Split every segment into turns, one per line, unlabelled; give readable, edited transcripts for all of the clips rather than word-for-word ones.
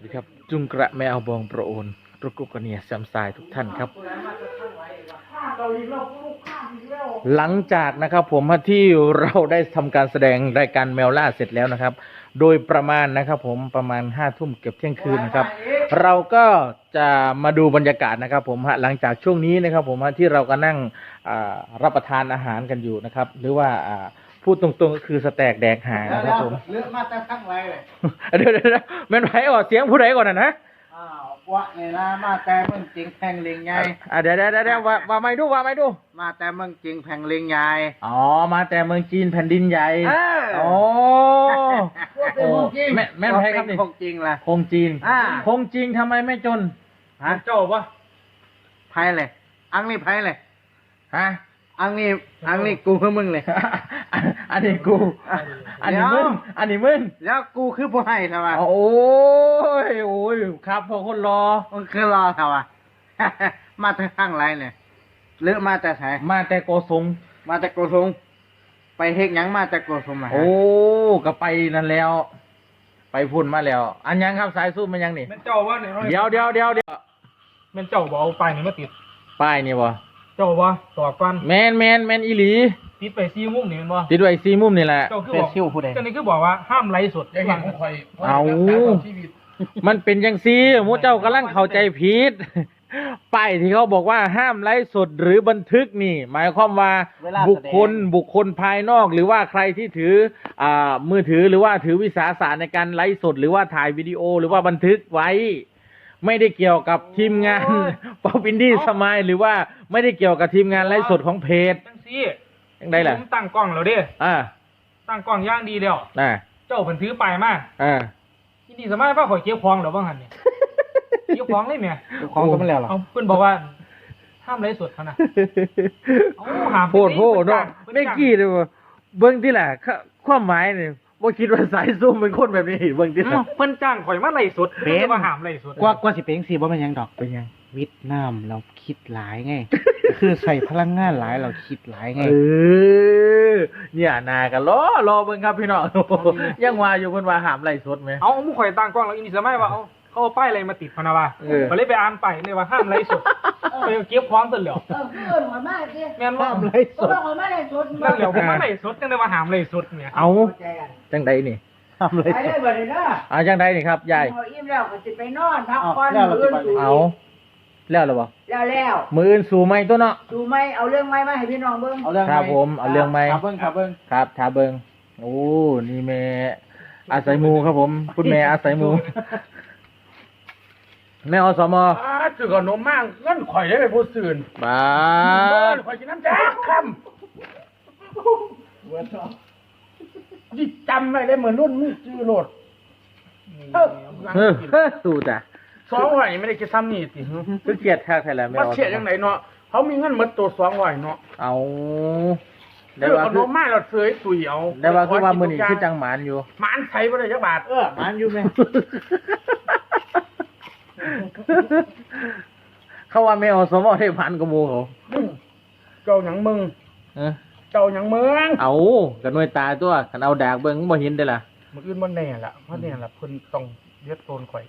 วัสดีครับจุงกระแมวบองประโอนรุกุกเนียแซมไซทุกท่านครับหลังจากนะครับผมที่เราได้ทำการแสดงรายการแมวล่าเสร็จแล้วนะครับโดยประมาณนะครับผมประมาณ5 ทุ่มเกือบเที่ยงคืนนะครับเราก็จะมาดูบรรยากาศนะครับผมหลังจากช่วงนี้นะครับผมที่เราก็นั่งรับประทานอาหารกันอยู่นะครับหรือว่าพูดตรงๆก็คือสแต็กแดกหานะครับผม
เลือกมาแต่ทั้งไรเลย
เดี๋ยวแม่นไผ่ออกเสียงผู้ใดก่อนนะ
อ้าววะเนี่ยนะมาแต่เมืองจริงแพงลิงใหญ่
เดี๋ยวว่าไม่ดู
มาแต่เมืองจริงแพงลิงใหญ่
อ๋อมาแต่เมืองจีนแผ่นดินใหญ่อ๋อแม่นไผ่ครับนี่
คงจริงล่ะ
คงจีนคงจริงทำไมไม่จน
ฮะ
เจ้าปะ
ไพ่เลยอังนี่ไพ่เลย
ฮะ
อังนี่กูคือมึงเลย
อันนี้กูอันนี้มึง
แล้วกูคือผู้ให้ทำไม
โอ้ยครับพอคนรอ
มันคือรอทำไมมาแต่ทั้งไรเนี่ยเลือกมาแต่ไหน
มาแต่โกสง
มาแต่โกสงไปเฮกยังมาแต่โกสงมา
โอ้ก็ไปนั่นแล้วไปพุ่นมาแล้วอันยังครับสายสู้มันยังนี่
มันเจ้าว่าเนี่ย
เดี๋ยว
มันเจ้าบอกเอาป้ายนี่มาติด
ป้ายนี่บ่
เจ้าว่าต่อกัน
แมนอีหลี
ติดไปซีมุมนี่มันบ่
ติดไว้ซีมุมนี่แหละ
เจ้าคือบอกเจ้านี่คือบอกว่าห้ามไลฟ์สด
อย่างของคอย
เอามันเป็นจังซี่หมู่เจ้ากำลังเข้าใจผิดป้ายที่เขาบอกว่าห้ามไลฟ์สดหรือบันทึกนี่หมายความว่าบุคคลภายนอกหรือว่าใครที่ถือมือถือหรือว่าถือวิสาสะในการไลฟ์สดหรือว่าถ่ายวิดีโอหรือว่าบันทึกไว้ไม่ได้เกี่ยวกับทีมงานป๊อปอินดี้สมายหรือว่าไม่ได้เกี่ยวกับทีมงานไลฟ์สดของเพจ
จังซี่
ยังไงล่ะ
ผมตั้งกล้องแล้วเด้ตั้งกล้องย่างดีแล้วเจ้าเพิ่นถือป้ายมาอินดี้สมายว่าข่อยเก็บของแล้วบ่หั่นนี่เก็บของเลยแม่
ของก็ไม่แล้วหรอ
เอาเพิ่นบอกว่าห้ามไลฟ์สดคั่นน่ะห้าม
โพดเนาะไม่กี่เลยเบิ่งที่แหละความหมายนี่บ่คิดว่าสายซุ่มเป็นคนแบบนี้เบิ่งที่ล่ะ
เพิ่นจ้างข่อยมาไลฟ์สดเป็นว่าห้ามไลฟ์สด
กว่าสิเป็นจังซี่บ่แม่นหยังดอก
เป็นหยัง
วิทย์น้ำเราคิดหลายไง คือใส่พลังงานหลายเราคิดหลายไง
เนี่ยนากันรอเบิ่งครับพี่น้องยังว่าอยู่เพิ่นว่าห้ามไลฟ์สดมั้ย
เอาหมู่ข่อยตั้งกล้องแล้วอินดี้สมัยว่าเขาเอาป้ายอะไรมาติดพะนะว่าก็เลยไปอ่านไปเลยว่าห้ามไลฟ์สดไปเก็บของซะแล้วแม่นว่า
ห้ามไลฟ์สด
นั่นแล้วผมมาไลฟ์สดจังได๋ว่าห้ามไลฟ์สดเนี่ย
เอาจังได๋นี่
ห้ามไลฟ์สด
จังได๋นี่ครับยาย
อิ่มแล้วก็สิไปนอนพักผ่อนมื้ออื่น
เอาแล้วหรอบ่
แล้ว
มื้ออื่นสู่ใหม่ตัวเนาะ
สู่ใหม่เอาเรื่องใหม่มาให้พี่น้องเบิ่ง
ครับผมเอาเรื่องใหม่
ครับเบิ่งครับ
ถ้าเบิ่งโอ้นี่แม่อาศัยหมู่ครับผมคุณแม่อาศัยหมู่แม่อสม
ซื้อขนมมากเงินข่อยได้ไปผู้ซื่น
บ้า
ข่อยกินน้ำแจ๊กคำยิ่จำไว้เลยเหมือนรุ่นมีชื่อโหลด
สู้จ้ะ
200ไม่ได้คิดซ้ำนี่สิ
คือเกียรติแท้แท้แล้วแม่
ว่าเสียจังไหนเนาะเขามีเงินหมดตัว200เนาะ
เอา
ได้ว่าขนมมากเราเสยสุยเอา
ได้ว่าคือว่ามื้อนี้คือจังหมานอยู่
หมานใช้บ่ได้จักบาท
หมานอยู่แม่
เขาว่าแม่อสมได้พันกว่าหมู่เขา
เจ้าหยังมึงเจ้าหยังเมือง
เอากันหน่วยตาตัวคันเอาดากเบิ่งบ่เห็นได้ล่ะ
มื้ออื่นบ่แน่ล่ะเพราะเนี่ยล่ะเพิ่นต้องเรียกโซนข่อย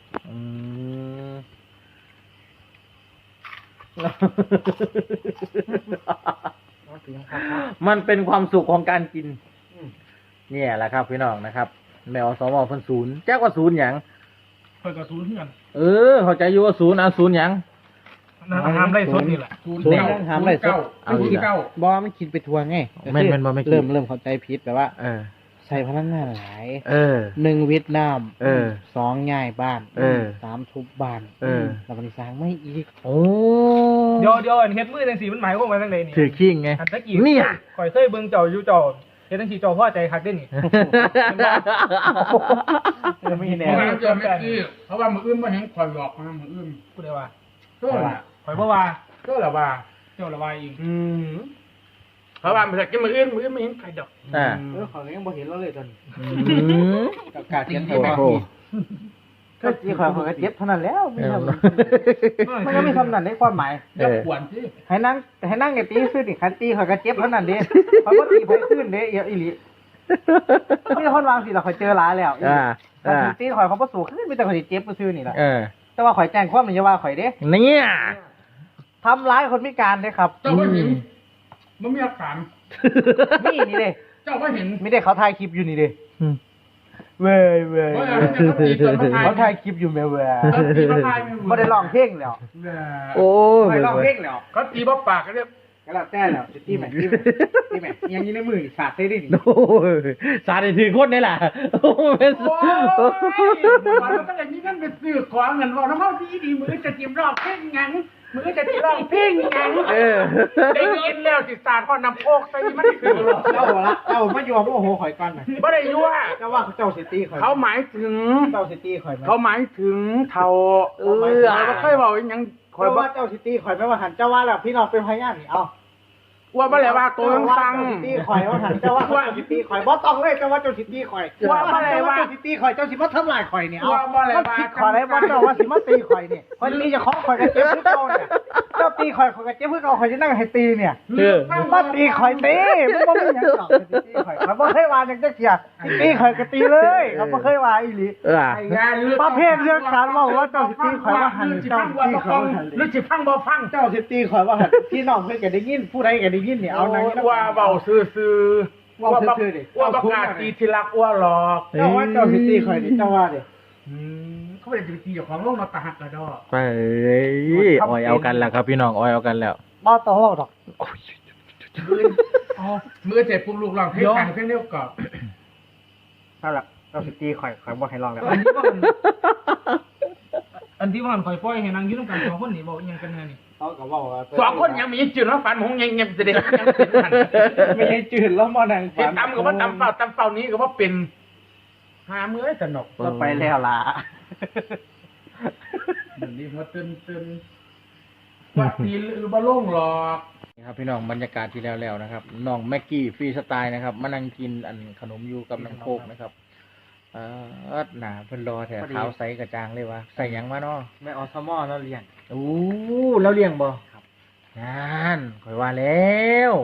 มันเป็นความสุขของการกินเนี่ยแหละครับพี่น้องนะครับแมวสมเพิ่นศูนย์แจ้กว่าศูนย์หยัง
เพิ่นก็ศูนย์เฮือน
เข้าใจอยู่ว่าศูนย์ศูนย์หยัง
ห้ามไล่สดนี่แหละ
ศูนย์ห้ามไล่สดบ่มันคิดไปทัวร์ไง
แม่นบ่ไม่
เริ่มเข้าใจผิดแบบว่าใส่พลังงานหลาย1วิทย์น้ำ2ย้ายบ้าน3ทุบบ้านแล้วมันสร้างไม่อีก
โอ้
เดี๋ยวเฮ็ดมือจังซี่มันหมายความว่าจังได๋นี่
ถือขิงไง
อันตะกี้เนี่ยข่อยเคยเบิ่งเจ้าอยู่เจ้าเฮ็ดจังซี่เจ้าพอใจคักเด้นี่
ไม่แน่
เพราะว่ามื้ออื่นบ่เห็นข่อยหลอกมามื้ออื่นพูดได้ว่าข่อยบ่ว่าเจ้าละว่าอีกเพราะว่ามันจะกินมื้ออื่นไม่เห็นใครดอก
ข่อยยังบ่เห็นเราเลยตอน
กับ
การเขียนให้มาก็จีข่อยก็เจ็บเท่านั้นแล้วไม่ทำมันก็ไม่ทำนั่นได้ความหมาย
ปวดสิ
ให้นั่งไอ้ตีขึ้นอีกคันตีข่อยก็เจ็บเท่านั้นเด้ข่อยบ่ตีข่อยขึ้นเด้อีหลีมีคนวางสิเราข่อยเจอหลายแล้วถ้าสิตีข่อยเขาบ่สู้คือมีแต่ข่อยสิเจ็บซื่อนี่ล่ะ
เออ
แต่ว่าข่อยแจ้งความนี่อย่าว่าข่อยเด้
เนี่ย
ทำร้ายคนพิการเด้ครับ
เจ้าก็เห็นมันมีหลักฐาน
นี่นี่เด้
เจ้าก็เห็น
ไม่ได้เขาถ่ายคลิปอยู่นี่เด้
อืม
เว้ยเว้ย
ว่าเขาตีตอนมาถ่าย
เขาถ่ายคลิปอยู่แม่เว้ย
เขาตีมาถ่าย
บ่ได้ร้องเพลงแล้ว
โอ้ย
ไม่ร้องเพลงแล้ว
เขาตีบ่ปากกันเรียบ
ก็แล้วแต่แล้วสิตีแม่ตีแม่ยังอยู่ในมือสาดได้ดิ
โอ้ยสาดถือคนนี่แหละโอ้ย
โอ้ยเราต้องอย่างนี้นั่นเป็นสื่อของเงินว่าน้ำมันดีมือจะจิ้มรอบเพ่งยังมือจะจิ้มรอบเพ่งยังได้ยินแล้วสิสาดพ่อนำโคกใส่มันคือ
เจ้าละเจ้ามาอยู่กับโอ้โหข่อยก่อนน่ะ
บ่ได้ยั่ว
เจ้าว่าเจ้าสิตีข่อย
เขาหมายถึง
เจ้าสิตีข่อยมั้ย
เขาหมายถึงเท่าเราเคยบอกยังคอย
เจ้า
บอ
ว่าก เจ้าสิตีข่อยไม่ว่าหันเจ้าว่าแล้วพี่น้องเป็นพยานนี่เอา
ว่าบ่แล้วว่าตัวยังฟัง
เจ้าสิตีข่อยว่าหันเจ้าว่าเจ้าสิตีข่อยบ่ต้องเลยเจ้าว่าเจ้าสิตีข่อย
ว่าบ่แล้วว่า
เจ้าสิตีข่อยเจ้าสิมาทำลายข่อยนี่เอา
ว่าบ่แล้วว่า
ผิดข่อยได้บ่เจ้าว่าสิมาตีข่อยนี่ข่อยตีจะขอข่อยก็เจ็บคือเก่าเนี่ยเจ้าตีข่อยข่อยก็เจ็บคือเก่าข่อยจะนั่งให้ตีเนี่ยมาตีข่อยตีมันบ่มีหยังหรอกสิตีข่อยเขาบ่เคยว่าจังจักเที่ยตีข่อยก็ตีเลยเขาบ่เคยว่าอีหลี ประเภทเรื่องการว่าเจ้าสิตีข่อยว่าหันเจ้าสิตีข่อยว่าหัน
หรือสิฟังบ่ฟัง
เจ้าสิตีข่อยว่าหันพี่น้องเพิ่นก็ได้ยินผู้ใดก็ได้ยินนี่เอานางนี้
ว่าเบาซื่อๆว่าประกาศตีที่รักว่าหลอก
เจ้าว่าเจ้าสิตีข่อยนี่เจ้าว่าดิ
เขาไม่ได้ตีเจ้าของโลกเราตาหักกระดอ
ไปอ้อยเอากันแล้วครับพี่น้องอ้อยเอากันแล้ว
บ่ต้องเว้าดอก
มือเจ็บปุ๊บลูกหลอกเพลงเพลงเดียวกับ
นั่นล่ะเจ้าสิตีข่อยบ่ให้ร้องแล้ว
อันที่ว่าข่อยปล่อยให้นางอยู่นำกัน2คนนี่บอกอีหยังกันแน่นี่
เขาก็เว้าว่า
สองคนยังมีจืดแล้วฝันหงยังเสด็จยังเป็นหัน
ไม่ให้จืดแล้วมานั่ง
เห็นตำกับว่าตำเฝ้านี้ก็ว่าเป็นหามือสนุก
ก็ไปแล้วล่ะ
เดี๋ยวนี้มาตื่นว่าตีหรือบ่โล่งหรอก
นี่ครับพี่น้องบรรยากาศที่แล้วนะครับน้องแม็กกี้ฟรีสไตล์นะครับมานั่งกินอันขนมอยู่กับน้ำโคกนะครับหนาเพิ่นรอแถวขาวใสกระจางเลยวะใส่หยังมาเนาะ
แม่อสมอแล้วเรียน
โอ้แล้วเลี้ยงบ่ครับนั่นข่อยว่าแล้ว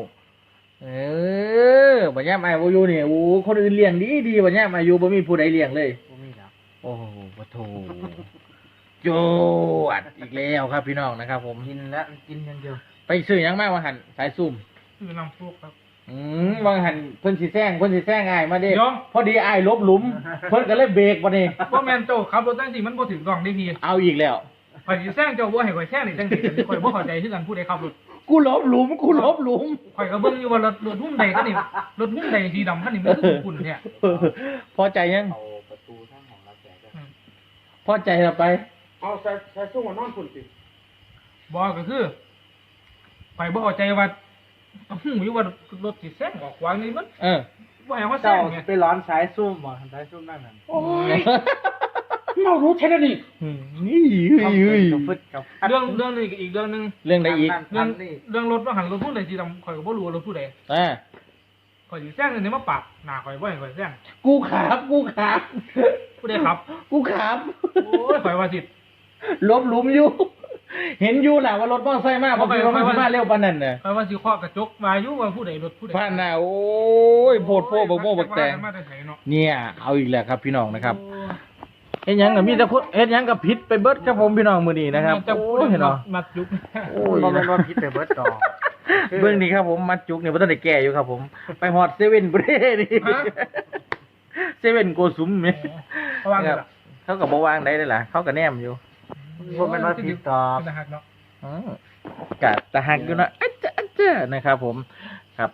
บัญญัติอายุเนี่ยโอ้คนอื่นเลี้ยงดีบัญญัติอายุบ่มีผู้ใดเลี้ยงเลย
บ่มีแล้ว
โอ้โหปะโถโจดอีกแล้วครับพี่น้องนะครับ ผม
กินแล้วกินอย่างเดียว
ไปซื้อหยังมากว่าหันสายซุ่ม
คือนำพวกครับ
บางหันเพิ่นสิแซงอ้ายมาเด้
ยอม
พอดีอ้ายลบหลุม เพิ่นก็เลยเบรกบ่นี่
บ่แม่นเจ้าขับรถจังซี่มันบ่ถึงกล่องได้พี่
เอาอีกแล้ว
ข่อยสิแซงเจ้าบ่ให้ข่อยแซงนี่จังซี่ข่อยบ่เข้าใจคือกันผู้ใดขับรถ
กูลบหลุม
ข่อยก็เบิ่งอยู่ว่ารถหุ้มใดคันนี้รถหุ้มใดสีดำคันนี้มันคือขุ่นเนี่ย
พอใจยัง
เอาประตูทางของเราแจก
พอใจแล้วไป
เอาใส่สู้หัวนอนคุณสิ
บ่ก็คือข่อยบ่เข้าใจว่าหูอยู่ว่ารถสิแซงออกขวางนี่มัน บ่ให้ว่าแซ
เจ้าง
ไง
ไปร้อนสายซุ่มบ่สายซุ่มนั่นน่ะ
โอ้ยเรารู้แค่นี้
กับฟึดกับ
เรื่องนี้ก็อีกเรื่องนึง
เรื่องใดอีก
เรื่องรถว่าหันรถหุ้มใดสีดำข่อยก็บ่รู้ว่ารถผู้ใด
อ่า
ข่อยสิแซงนี่มาปาดหน้าข่อยบ่ให้ข่อยแซง
กูขับ
ผู้ใดขับ
กูขับ
โอ้ยข่อยว่าสิ
ลบหลุมอยู่ เห็นอยู่แหละว่ารถมอเตอร์ไซค์มากเพราะว่ามันมาเร็วปานนั้นน่ะ
ข่อยว่าสิเคาะกระจกมาอยู่ว่าผู้ใดรถผู้ใด
ผ่านน่ะโอ้ยโพดโพบักโม่บักแตง
มาแต่ไสเนาะ
เนี่ยเอาอีกแล้วครับพี่น้องนะครับเฮ็ดหยังก็มีแต่คนเฮ็ดหยังก็ผิดไปเบิดครับผมพี่น้องมื้อนี้นะครับ
จะ
โอ้
พูด
ยเห็นเนาะ
มัดยุก
โอ้ย
บ่แม่นว่าผิดไปเบิดดอก
เบื้องนี้ครับผมมัดจุกเนี่ยบ่ทันได้แก้อยู่ครับผม ไปฮอดเซเว่นบ่ได้นี่เซเว่นโกสุมนี่
เขาวาง
ค
เล
รั
ย
บ
ล่ะ
เขาก็บ่วางได้เลยล่ะเขาก็แนมอยู่
บ่แม่นว่าผิดดอก
เป็นทหารเนาะ
กะตะหักอยู่นะอะจ๊ะนะครับผมครับ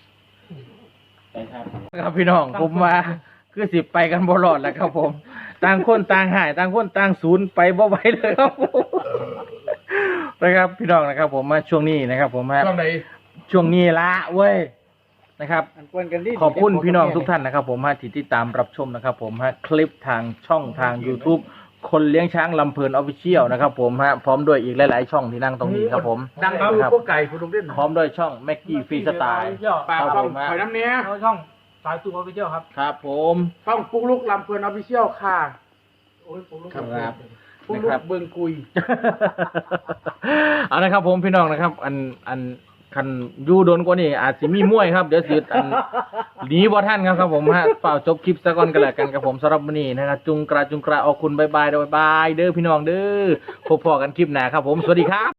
ครับพี่น้องผมว่าคือสิไปกันบ่รอดแล้วครับผม ต่างคนต่างหายต่างคนต่างศูนย์ไปบ่ไหวเลยครับผมนะครับพี่น้องนะครับ ผมมาช่วงนี้นะครับ ผมมา
ช่วงไหน
ช่วงนี้ละเว้ยนะครับ
อันกวนกันดิ
ขอบคุณพี่น้องทุกท่านนะครับ ผมที่ติดตามรับชมนะครับ ผมคลิปทางช่องทาง YouTube คนเลี้ยงช้างลำเพลินออฟฟิเชียลนะครับ ผมพร้อมด้วยอีกหลายๆช่องที่นั่งตรงนี้ครับผม
ดังคือพวกไก่คุณลุงเด่น
พร้อมด้วยช่องแม็กกี้ฟรีสไตล์
ปาก
ครับ
ช่อง
ผม
ข่อยน้ำเนี้ย
ช่องสายตัวออฟฟิเชียลครับ
ครับผม
ช่องปุ๊กลุกลำเพลินออฟฟิเชียลค่ะ
ครับ
ปุ๊ก
นะ
ลุ
ครั
ก
บ
เบิงกุย
เอาละครับผมพี่น้องนะครับ อันคันอยู่โดนกว่านี่อาจสิมีมวยครับเดี๋ยวสิอันหนีบ่ทันครับผมฮะเปล่าจบคลิปซะก่อนกันแล้วกันครับผมสำหรับวันนี้นะครับจุงกระออกคุณบ๊ายบายเด้อพี่น้องเด้อพบพอกันคลิปหน้าครับผมสวัสดีครับ